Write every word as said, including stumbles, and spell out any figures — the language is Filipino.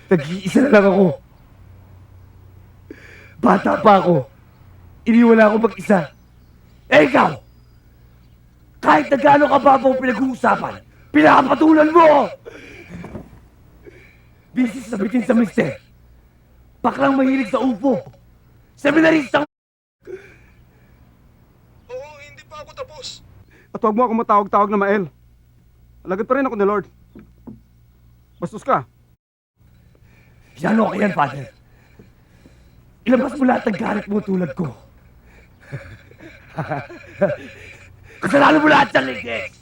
Nag-iisa na lang ako. Bata pa ako. Iniwala ako mag-isa. Eh ikaw! Kahit na gaano kababaw pinag-uusapan, pinakapatulan mo! Bisis na bitin sa mister. Baklang mahilig sa upo. Seminaristang... Oo, hindi pa ako tapos. At huwag mo ako matawag-tawag na Mael. Alagad pa rin ako ni Lord. Bastos ka. Yan okay yan, Father. Ilabas mo lahat ng galit mo tulad ko. Kasalanan mo lahat sa ligis!